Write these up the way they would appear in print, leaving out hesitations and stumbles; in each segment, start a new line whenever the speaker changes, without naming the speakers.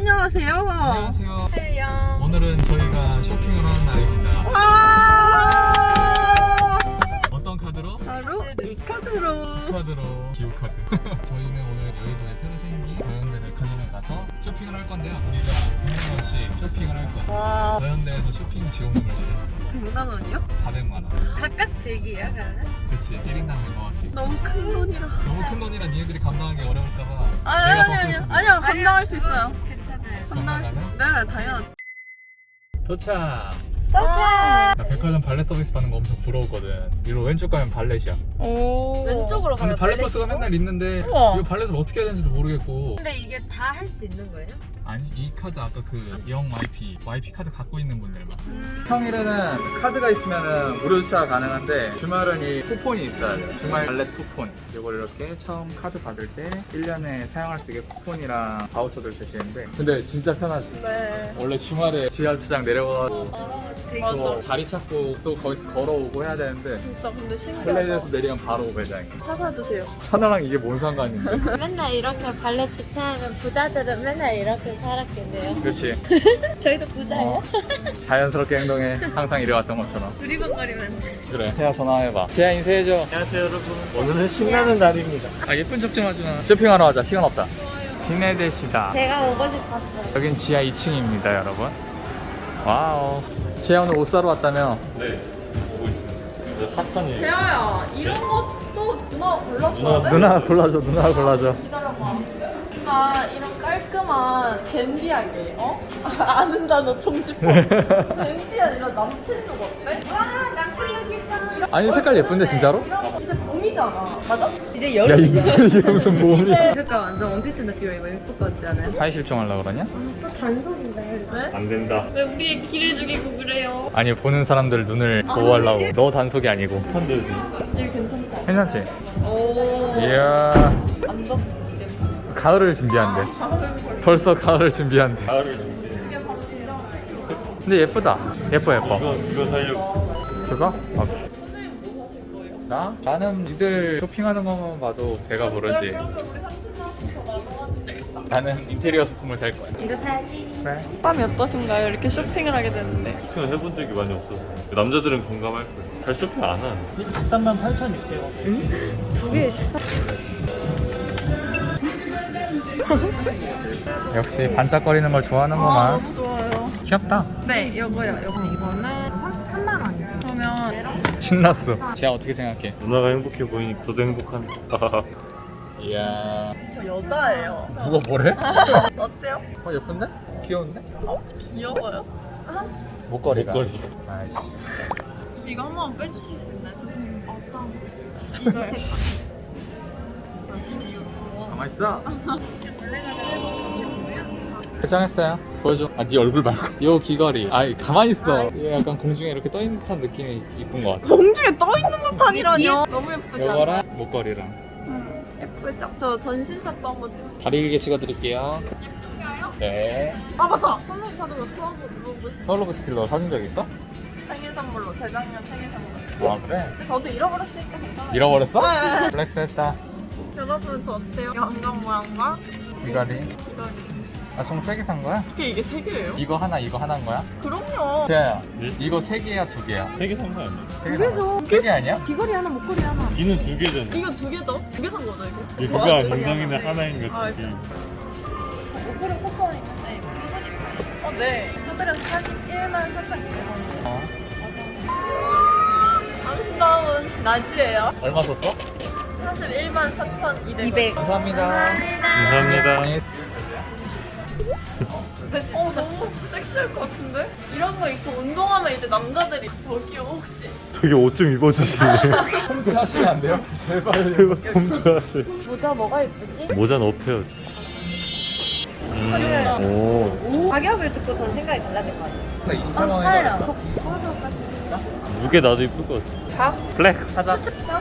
안녕하세요.
안녕하세요.
안녕.
오늘은 저희가 쇼핑을 하는 날입니다.
와!
어떤 카드로?
바로 이 카드로.
카드로 기후카드. 저희는 오늘 여의도에 새로 생긴 더현대 백화점에 가서 쇼핑을 할 건데요. 우리가 100만원씩 쇼핑을 할 거예요.
와.
더현대에서 쇼핑 지원금을 주셨어요.
100만 원이요?
400만원.
각각 100이야 그러면?
그치, 1인당 100만원씩.
너무 큰 돈이라.
너무 큰 돈이라 니네들이 감당하기 어려울까봐
아니요 감당할 수 있어요.
괜찮아요.
감당할 수
감당하는?
네 당연.
도착!
와.
나 백화점 발렛 서비스 받는 거 엄청 부러웠거든. 이리로 왼쪽 가면 발렛이야.
오.
왼쪽으로
근데
가면
발렛
발렛
버스가
있고?
맨날 있는데
우와.
이거 발렛을 어떻게 해야 되는지도 모르겠고.
근데 이게 다 할 수 있는 거예요?
아니, 이 카드 아까 그 영 YP 카드 갖고 있는 분들만. 평일에는 카드가 있으면 무료 주차가 가능한데 주말은 이 쿠폰이 있어야 돼요. 주말 발렛 쿠폰. 이걸 이렇게 처음 카드 받을 때 1년에 사용할 수 있게 쿠폰이랑 바우처들 주시는데 근데 진짜 편하지.
네.
원래 주말에 지하 주차장 내려가고
맞아.
또 자리 찾고 또 거기서 걸어오고 해야 되는데
진짜 근데 신기하다.
플레이에서 내리면 바로 매장이.
사주세요.
천하랑 이게 뭔 상관인데?
맨날 이렇게 발레 주차하면 부자들은 맨날 이렇게 살았겠네요.
그렇지.
저희도 부자예요?
어, 자연스럽게 행동해. 항상 이래왔던 것처럼.
두리번거리면
그래. 태아 전화해봐. 태아 인사해줘.
안녕하세요 여러분. 오늘은 신나는 날입니다.
아 예쁜 척 좀 하지 마. 쇼핑하러 가자. 시간 없다. 시내대시다.
제가 오고 싶었어요.
여긴 지하 2층입니다, 여러분. 와우. 태아 오늘 옷 사러 왔다며?
네. 보고 있습니다. 이제 핫한이에요.
재아야 이런 것도 누나가 골라줘야 돼?
누나 골라줘. 누나 골라줘.
기다려봐. 나 이런 깔끔한 댄디하게, 어? 아는 단어 총집법. 댄디한 이런 남친룩 어때? 와, 남친룩 있어.
아니 색깔 예쁜데 진짜로?
이제 봄이잖아. 맞아?
이제
야
여름.
이게 무슨 보험이야?
그러니까 완전 원피스 느낌이 왜 예쁠 것 같지 않아요?
사회 실종하려고 그러냐?
또 단속인데.
왜?
안 된다.
왜 우리의 길을 죽이고 그래요?
아니 보는 사람들 눈을 보호하려고. 너 단속이 아니고.
핫한데지.
이거 괜찮다.
괜찮지?
오.
이야.
안 덥게.
가을을 준비한대. 벌써 가을을 준비한대.
가을을 준비.
이게 바로 진정.
근데 예쁘다. 예뻐.
이거 살려고.
그거? 아,
선생님 뭐 사실 거예요?
나? 나는 니들 쇼핑하는 것만 봐도 배가 부르지.
그러면 우리 삼촌 사서 더 나눠가지고 되겠다.
나는 인테리어 소품을 살 거야.
이거 사야지.
그래.
밤이 어떠신가요? 이렇게 쇼핑을 하게 됐는데.
쇼핑을 해본 적이 많이 없어서 남자들은 공감할 거예요. 잘 쇼핑 안 하는데. 13만 8,600원.
두 개에 14.
역시 반짝거리는 걸
아,
좋아하는구만.
너무 좋아요.
귀엽다.
네, 이거요.
이거는 33만 원이에요.
그러면
신났어. 지아 어떻게 생각해?
누나가 행복해 보이니 저도 행복합니다.
이야.
저 여자예요.
누가 뭐래?
어때요?
예쁜데? 귀여운데?
귀여워요.
목걸이가.
목걸이.
아이씨.
혹시 이거 한 번 빼주실 수 있나요? 죄송해요. 이걸.
가만 있어. 결정했어요. 보여줘. 아, 네 얼굴 말고. 요 귀걸이. 아이, 가만히 있어. 이거 약간 공중에 이렇게 떠 있는 듯한 느낌이 이쁜 것 같아.
공중에 떠 있는 듯한이라니요. 너무 예쁘죠?
요거랑 목걸이랑.
예쁘죠? 저 전신샷도 한번 찍을게요.
다리 길게 찍어드릴게요.
예쁜가요?
네.
아 맞다. 선생님 사준 거 수학으로 물어보고 싶어요.
서울로브 스킬러 사준 적 있어?
생일 선물로 재작년 생일 선물로.
아, 그래?
근데 저도 잃어버렸으니까 괜찮아요.
잃어버렸어?
네.
플렉스 했다.
여러분 저 어때요? 양강 모양과
귀걸이.
귀걸이.
아, 총 3개 산 거야?
어떻게 이게 세 개예요?
이거 하나, 이거 하나인 거야?
그럼요.
쟤야,
네?
이거 3개야, 2개야?
3개 산 거 아니야?
두 개죠. 3개 아니야?
귀걸이 하나, 목걸이 하나.
귀는 2개잖아.
이거 두 개죠? 두 개 산 거죠 이거?
이거가 인정이는 하나인 거
아,
2개.
목걸이 쿠폰 있는데 네. 서들에서 41만 4,200원.
어.
아름다운 낮이에요.
얼마 썼어?
41만 4,200원.
200.
감사합니다.
감사합니다.
너무 섹시할 것 같은데? 이런 거 입고 운동하면 이제 남자들이 저기요 혹시
저기 옷 좀 입어주실래요?
홈트 하시면 안 돼요? 제발.
제발 좀 좋아하세요.
모자 뭐가 예쁘지?
모자는 업해요. 오.
가격을 듣고 전 생각이 달라질 것 같아요.
28만 원이라 그랬어?
무게 나도 이쁠 것 같아. 플렉스.
사자.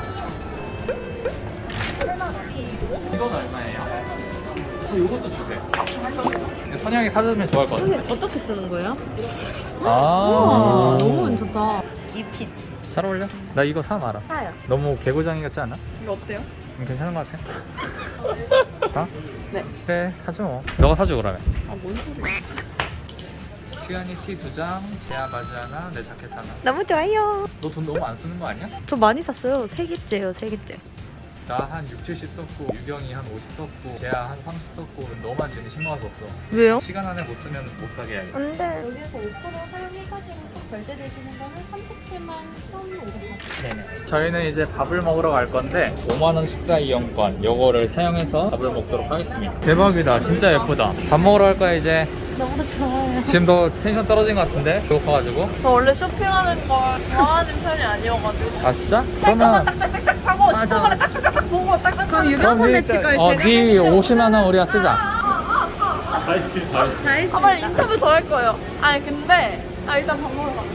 이건 얼마예요? 이것도 주세요. 근데 선영이 사주면 좋아할 것 같아.
선생님 어떻게 쓰는 거예요?
아,
너무 괜찮다.
이핏
잘 어울려. 나 이거 사 말아.
사요.
너무 개구장이 같지 않아?
이거 어때요?
괜찮은 것 같아. 어?
네.
그래 사줘 뭐. 너가 사줘 그러면.
아, 뭔 소리야.
수연이 티 2장, 재아 바지 하나, 내 자켓 하나.
너무 좋아요.
너 돈 너무 안 쓰는 거 아니야?
저 많이 샀어요. 3개째요, 3개째.
나 한 6, 70 썼고 유경이 한 50 썼고 재아 한 30 썼고 너만 지금 10만 원 썼어.
왜요?
시간 안에 못 쓰면 못 사게 해야겠다.
안 돼. 여기서 5% 사용해가지고 결제되시는 거는 37만 1,500원.
네네. 저희는 이제 밥을 먹으러 갈 건데 5만 원 식사 이용권 요거를 사용해서 밥을 먹도록 하겠습니다. 대박이다. 진짜 예쁘다. 밥 먹으러 갈 거야 이제.
너무 좋아요.
지금 너 텐션 떨어진 것 같은데? 배고파가지고.
저 원래 쇼핑하는 걸 좋아하는 편이 아니어가지고.
아 진짜? 그러면
딱딱딱 사고 싶은 거를 딱딱딱 보고 딱딱. 그럼
유경 선배 치걸
네 50만 원 우리가 쓰자.
다 했습니다.
아, 빨리 인터뷰 더 할 거예요. 아니 근데 일단 밥 먹으러 가자.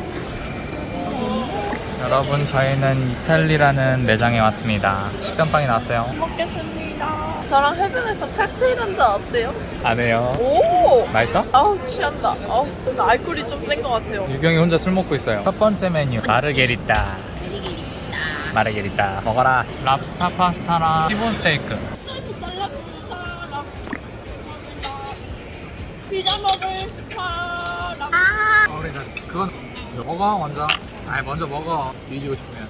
여러분 저희는 이탈리라는 매장에 왔습니다. 식감빵이 나왔어요.
먹겠습니다. 저랑 해변에서 칵테일 한잔 어때요?
안 해요.
오!
맛있어?
아우 취한다. 아우 근데 알코올이 좀 센 것 같아요.
유경이 혼자 술 먹고 있어요. 첫 번째 메뉴 마르게리따. 마르게리따 먹어라. 랍스타 파스타랑 티본 스테이크.
피자 먹을 사람.
우리 그건 먹어 먼저. 아니 먼저 먹어. 뒤지고 싶으면.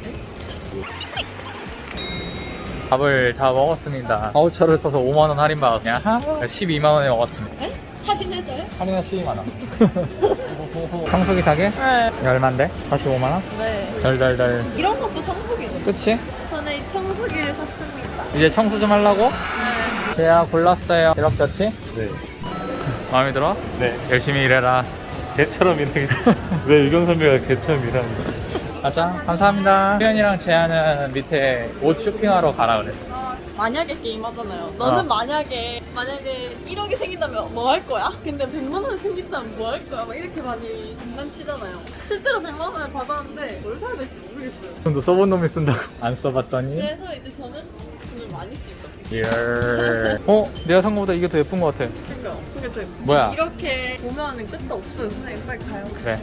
밥을 다 먹었습니다. 바우처를 써서 5만 원 할인 받았어요. 야하. 12만 원에 먹었습니다.
에? 하신했어요?
할인은 12만 원. 청소기 사게?
네.
얼만데? 45만 원?
네.
덜덜덜.
이런 것도 청소기네.
그치?
저는 이 청소기를 샀습니다.
이제 청소 좀 하려고?
네.
제가 골랐어요. 이렇게 좋지?
네.
마음에 들어?
네.
열심히 일해라.
개처럼 일하겠어. 왜 유경 선배가 개처럼 일하는 거야?
가자. 감사합니다. 수연이랑 재아는 밑에 옷 쇼핑하러 가라 그래.
만약에 게임 하잖아요. 너는
어.
만약에 1억이 생긴다면 뭐 할 거야? 근데 100만 원이 생긴다면 뭐 할 거야? 막 이렇게 많이 장난치잖아요. 실제로 100만 원을 받았는데 뭘 사야 될지 모르겠어요.
돈도 써본 놈이 쓴다고. 안 써봤더니.
그래서 이제 저는 돈을 많이 쓰죠.
예. 내가 산 거보다 이게 더 예쁜 거 같아.
그러니까 그게 더
뭐야?
이렇게 보면 끝도 없어요. 선생님 빨리 가요.
그래.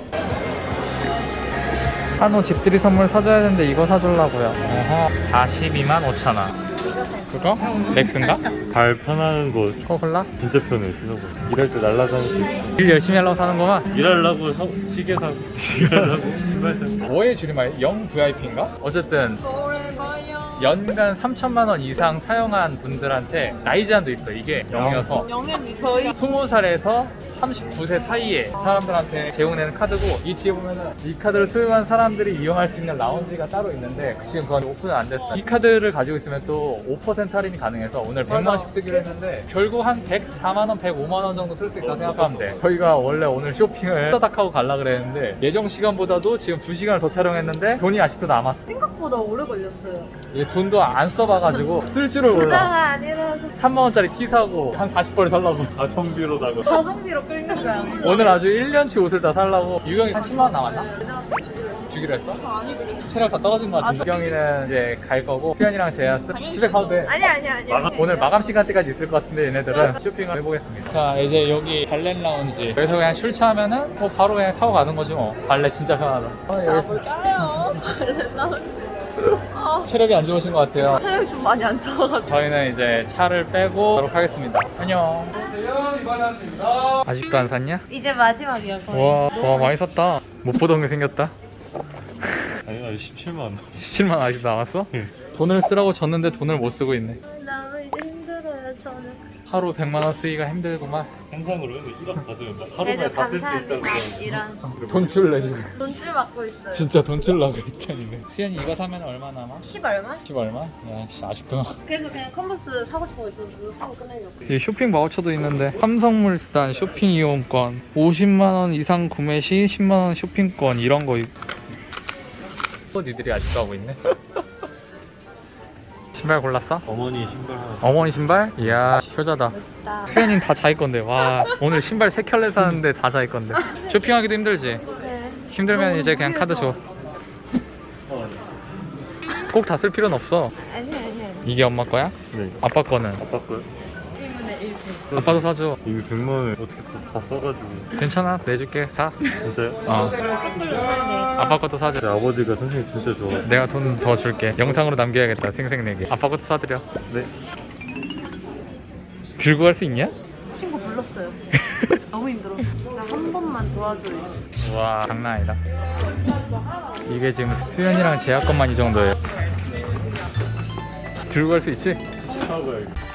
한우 집들이 선물 사줘야 되는데 이거 사주려고요. 어허. 42만 5천 원. 그거? 렉스인가?
발 편한 거
그거 골라?
진짜 편해 신어보. 일할 때 날라다닐 수 있어.
일 열심히 하려고 사는 거만?
일하려고 시계 사고 일하려고 신발 사고.
뭐의 줄임말? 영 VIP인가? 어쨌든
forever요.
연간 3천만 원 이상 사용한 분들한테 나이 제한도 있어. 이게 0이어서
영앤 저희
20살에서 39세 사이에 사람들한테 제공되는 카드고, 이 뒤에 보면은 이 카드를 소유한 사람들이 이용할 수 있는 라운지가 따로 있는데 지금 그건 오픈은 안 됐어. 이 카드를 가지고 있으면 또 5% 할인이 가능해서 오늘 100만 원씩 쓰기로 했는데 결국 한 104만 원, 105만 원 정도 쓸 수 있다고 생각하면 돼. 저희가 원래 오늘 쇼핑을 따닥 하고 가려고 그랬는데 예정 시간보다도 지금 2시간을 더 촬영했는데 돈이 아직도 남았어.
생각보다 오래 걸렸어요.
이게 돈도 안 써봐가지고 쓸 줄을 몰라.
부자가 아니라서
3만 원짜리 티 사고 한 40벌 살라고.
가성비로다가.
가성비로 끌는 거야.
오늘 아주 1년치 옷을 다 살라고. 유경이 한 10만 원 남았나? 주기로 했어?
저 아니 그래.
체력 다 떨어진 것 같은데. 유경이는 이제 갈 거고 수연이랑 재야 집에 가도 돼.
아니야.
오늘 마감 시간대까지 있을 것 같은데 얘네들은 쇼핑을 해보겠습니다. 자 이제 여기 발렛 라운지. 여기서 그냥 술 취하면은 뭐 바로 그냥 타고 가는 거지 뭐. 발렛 진짜 편하다. 여기서
뭘 짜요? 나한테.
체력이 안 좋으신 것 같아요.
체력이 좀 많이 안 좋아가지고.
저희는 이제 차를 빼고 가도록 하겠습니다. 안녕. 아직도 안 샀냐?
이제 마지막이야. 거의.
와 많이 샀다. 못 보던 게 생겼다.
아니 나 17만 원.
17만 원 아직도 남았어?
응.
돈을 쓰라고 줬는데 돈을 못 쓰고 있네.
너무 이제 힘들어요. 저는.
하루 100만 원 쓰기가 힘들구만.
상상으로 1억 받으면 하루만에
그래도
다 쓸 수 있다고.
감사합니다. 이런
돈줄 내주고.
돈줄 받고 있어요.
진짜 돈줄 나고 있다니네. 수연이 이거 사면 얼마 남아?
10 얼마?
10 얼마? 야 아직도.
그래서 그냥 컨버스 사고 싶은 거 있어서 사고 끝내려고.
이 쇼핑 바우처도 있는데 삼성물산 쇼핑 이용권 50만 원 이상 구매 시 10만 원 쇼핑권 이런 거. 니들이 아직도 하고 있네. 신발 골랐어?
어머니 신발 하나.
어머니 신발? 이야 효자다.
멋있다.
수연이는 다 자기 건데. 와 오늘 신발 3켤레 사는데 다 자기 건데. 쇼핑하기도 힘들지?
네.
힘들면 이제 그냥 카드 줘. 꼭 다 쓸 필요는 없어.
아니.
이게 엄마 거야?
네.
아빠 거는?
아빠 거요?
1분의 1분.
아빠도 사줘.
이미 100만 원을 어떻게 다 써가지고.
괜찮아 내줄게. 사.
진짜요?
아빠 것도 사줘.
제 아버지가 선생님 진짜 좋아하세요.
내가 돈 더 줄게. 영상으로 남겨야겠다. 생색내기. 아빠 것도 사드려.
네.
들고 갈 수 있냐?
친구 불렀어요. 너무 힘들어. 나 한 번만 도와줘요.
와 장난 아니다. 이게 지금 수연이랑 제약건만 이 정도예요. 들고 갈 수 있지?
사과야.